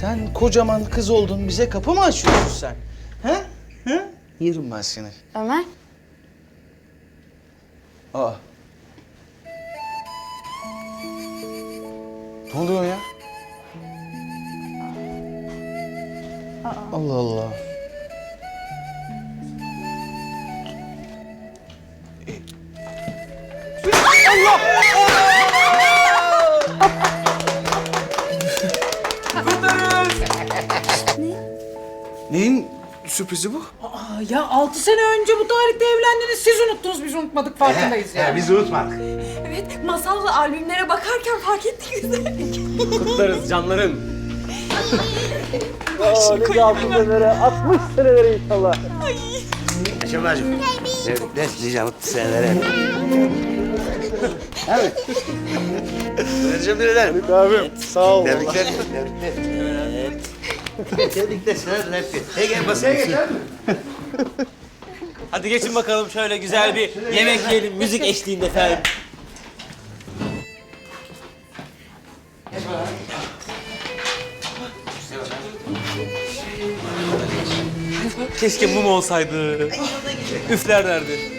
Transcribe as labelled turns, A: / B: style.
A: Sen kocaman kız oldun, bize kapı mı açıyorsun sen? He? He? Yerim ben seni.
B: Ömer.
A: Aa. Ne oluyor ya? Allah Allah. Neyin sürprizi bu?
C: Ya 6 sene önce bu tarihte evlendiniz. Siz unuttunuz, biz unutmadık. Farkındayız ya.
D: Biz unutmadık.
E: Evet, masalla albümlere bakarken fark ettik biz de.
F: Kutlarız canlarım.
D: Şevval'cığım. Tebrikler nice mutlu senelere. Evet. Teşekkür ederim.
A: Abim sağ ol.
D: Tebrikler. Tebrikler. Evet. Tebrikler sana hep. Hey gel masaya geç abi.
F: Hadi geçin bakalım şöyle güzel bir yemek yiyelim müzik eşliğinde efendim. Keşke mum olsaydı. Üflerlerdi.